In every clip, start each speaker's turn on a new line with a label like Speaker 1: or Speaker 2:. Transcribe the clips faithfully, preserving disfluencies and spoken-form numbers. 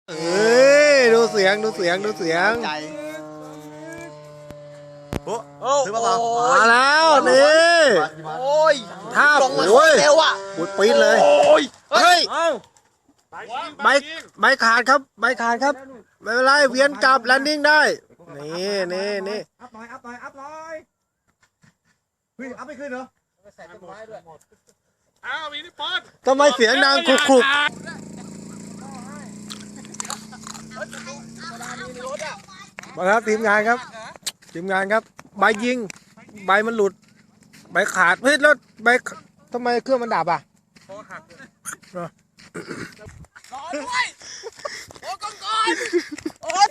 Speaker 1: เอ้ยดูเสียงดูเสียงดูเสียง
Speaker 2: ใจโอ้โห
Speaker 1: ซื้อมาเปล่ามาแล้วนี่
Speaker 2: โอ้ย
Speaker 1: ท่า
Speaker 2: ลงมา
Speaker 1: โอ้ย
Speaker 2: เร็วอ่ะ
Speaker 1: ปุดปีดเลย
Speaker 2: โอ้ย
Speaker 1: เฮ้ย
Speaker 3: เอ้า
Speaker 1: ใบใบขาดครับใบขาดครับไม่เป็นไรเวียนกลับแลนดิ้งได้นี่นี่นี่
Speaker 3: อัพหน่อยอัพหน่อยอัพหน่อยเฮ้ยอัพไม่ขึ้นเหรอ
Speaker 4: อ้าวมีนี่ปอน
Speaker 1: ทำไมเสียงดังครุกครุกมาครับทีมงานครับทีมงานครับใบยิงใบมันหลุดใบขาดเฮ้ยแล้วใบทำไมเครื่องมันดับอ่ะ
Speaker 2: รอด้วยโอ้กองกอนโอ้ย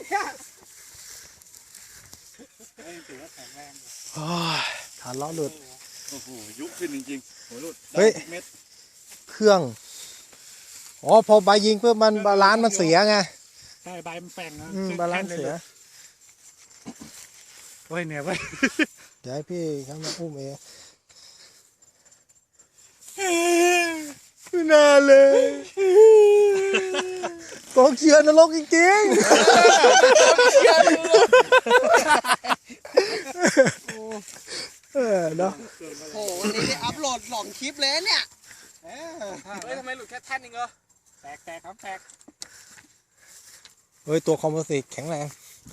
Speaker 1: โอ้ยฐานล้อหลุด
Speaker 4: โอ้โหยุบขึ้นจริงๆโหหลุด
Speaker 1: เฮ้ย
Speaker 4: เม็ด
Speaker 1: เครื่องอ๋อพอใบยิงเพื่อมันบาลานซ์มันเสียไง
Speaker 3: ใช่ใบมันแป่งนะ
Speaker 1: อืมบาลานซ์เสีย
Speaker 3: โอ้ยเนี่ยเว้ย
Speaker 1: เดี๋ยวให้พี่เขามาอุ้มเองไม่น่าเลยกองเชียร์นรกจริงๆเออเนาะ
Speaker 2: โอ้โหวันนี้ได้อัพโหลดสองคลิปเลยเนี่ย
Speaker 4: เฮ้ยทำไมหลุดแค่แท่นเองเหรอ
Speaker 3: แตกแตกครับแตก
Speaker 1: เฮ้ยตัวคอมโพสิตแข็งแรง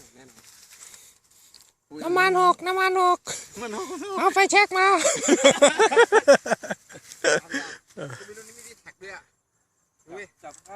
Speaker 1: น้ำมันหกน้ำมันหก
Speaker 4: มันโอ้โห
Speaker 1: เอาไฟแช็กมา
Speaker 4: ไม่รู้นี่ไม่ได้แท็กด้วยอ่ะอุ้ยจับ